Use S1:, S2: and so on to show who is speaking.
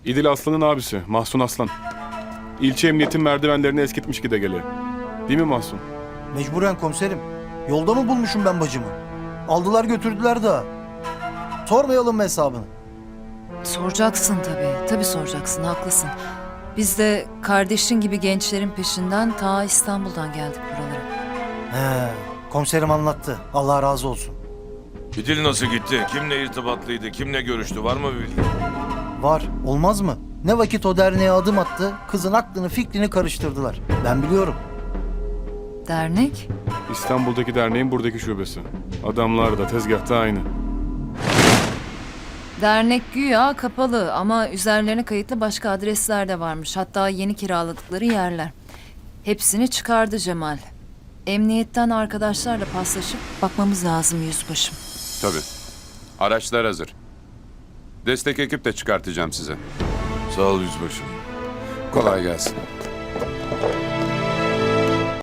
S1: İdil Aslan'ın abisi Mahsun Aslan. İlçe emniyetin merdivenlerini eskitmiş gide gele. Değil mi Mahsun?
S2: Mecburen komiserim. Yolda mı bulmuşum ben bacımı? Aldılar götürdüler daha. Sormayalım mı hesabını?
S3: Soracaksın tabii. Tabii soracaksın, haklısın. Biz de kardeşin gibi gençlerin peşinden ta İstanbul'dan geldik buralara.
S2: He, komiserim anlattı. Allah razı olsun.
S4: İdil nasıl gitti? Kimle irtibatlıydı? Kimle görüştü? Var mı bir bilgi?
S2: Var, olmaz mı? Ne vakit o derneğe adım attı, kızın aklını fikrini karıştırdılar. Ben biliyorum.
S3: Dernek?
S1: İstanbul'daki derneğin buradaki şubesi. Adamlar da tezgahta aynı.
S3: Dernek güya kapalı ama üzerlerine kayıtlı başka adresler de varmış. Hatta yeni kiraladıkları yerler. Hepsini çıkardı Cemal. Emniyetten arkadaşlarla paslaşıp bakmamız lazım yüzbaşım.
S5: Tabii. Araçlar hazır. Destek ekip de çıkartacağım size.
S4: Sağ ol yüzbaşım.
S5: Kolay gelsin.